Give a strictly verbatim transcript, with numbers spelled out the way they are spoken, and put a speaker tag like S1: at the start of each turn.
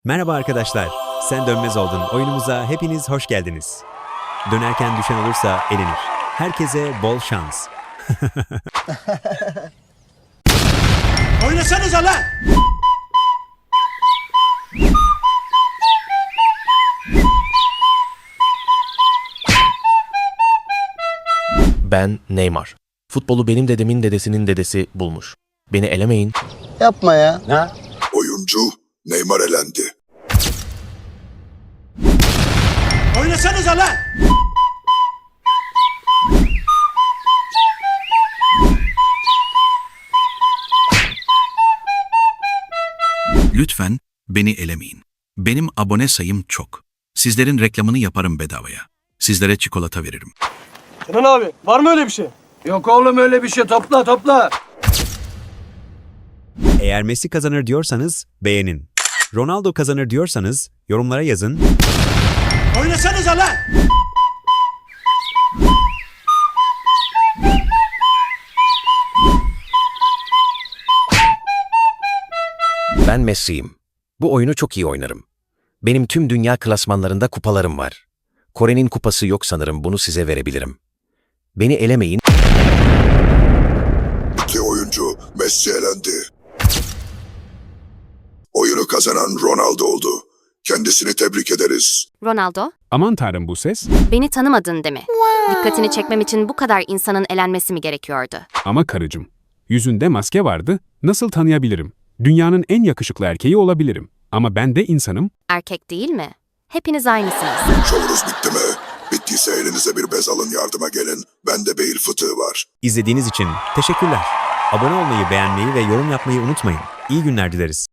S1: Merhaba arkadaşlar, Sen Dönmez Oldun oyunumuza hepiniz hoş geldiniz. Dönerken düşen olursa elenir. Herkese bol şans.
S2: Oynasanıza lan!
S3: Ben Neymar. Futbolu benim dedemin dedesinin dedesi bulmuş. Beni elemeyin.
S4: Yapma ya.
S5: Oyuncu Neymar elendi.
S2: Oynasanıza lan!
S6: Lütfen beni elemeyin. Benim abone sayım çok. Sizlerin reklamını yaparım bedavaya. Sizlere çikolata veririm.
S7: Kenan abi var mı öyle bir şey?
S2: Yok oğlum öyle bir şey, topla topla.
S1: Eğer Messi kazanır diyorsanız beğenin. Ronaldo kazanır diyorsanız yorumlara yazın.
S2: Oynasanıza lan!
S3: Ben Messi'yim. Bu oyunu çok iyi oynarım. Benim tüm dünya klasmanlarında kupalarım var. Kore'nin kupası yok sanırım, bunu size verebilirim. Beni elemeyin.
S5: İki oyuncu Messi elendi. Oyunu kazanan Ronaldo oldu. Kendisini tebrik ederiz.
S8: Ronaldo,
S9: Aman tanrım, bu ses.
S8: beni tanımadın değil mi? Dikkatini çekmem için bu kadar insanın elenmesi mi gerekiyordu?
S9: Ama karıcığım, yüzünde maske vardı, nasıl tanıyabilirim? Dünyanın en yakışıklı erkeği olabilirim. Ama ben de insanım.
S8: Erkek değil mi? Hepiniz aynısınız.
S5: Şovunuz bitti mi? Bittiyse elinize bir bez alın, yardıma gelin. Bende beyin fıtığı var.
S1: İzlediğiniz için teşekkürler. Abone olmayı, beğenmeyi ve yorum yapmayı unutmayın. İyi günler dileriz.